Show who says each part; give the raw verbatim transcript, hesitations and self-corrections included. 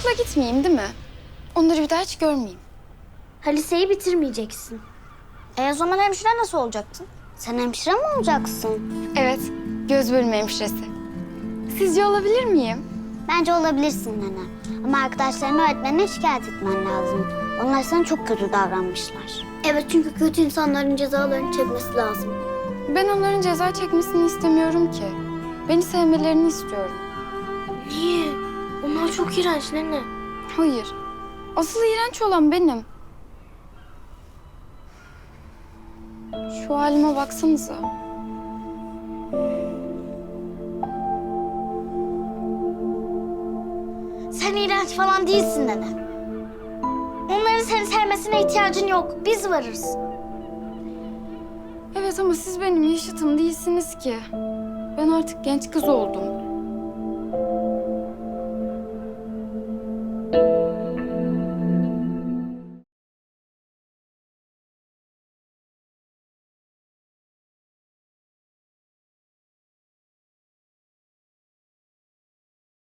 Speaker 1: okula gitmeyeyim değil mi? Onları bir daha hiç görmeyeyim.
Speaker 2: Ha, liseyi bitirmeyeceksin. E o zaman hemşire nasıl olacaksın? Sen hemşire mi olacaksın?
Speaker 1: Evet, göz bölümü hemşiresi. Sizce olabilir miyim?
Speaker 2: Bence olabilirsin nene. Ama arkadaşlarını öğretmenine şikayet etmen lazım. Onlar sana çok kötü davranmışlar. Evet, çünkü kötü insanların cezalarını çekmesi lazım.
Speaker 1: Ben onların ceza çekmesini istemiyorum ki. Beni sevmelerini istiyorum.
Speaker 2: Niye? Onlar çok iğrenç nene.
Speaker 1: Hayır. Asıl iğrenç olan benim. Şu halime baksanıza.
Speaker 2: Sen iğrenç falan değilsin nene. Onların seni sevmesine ihtiyacın yok. Biz varız.
Speaker 1: Evet ama siz benim yaşıtım değilsiniz ki. Ben artık genç kız oldum.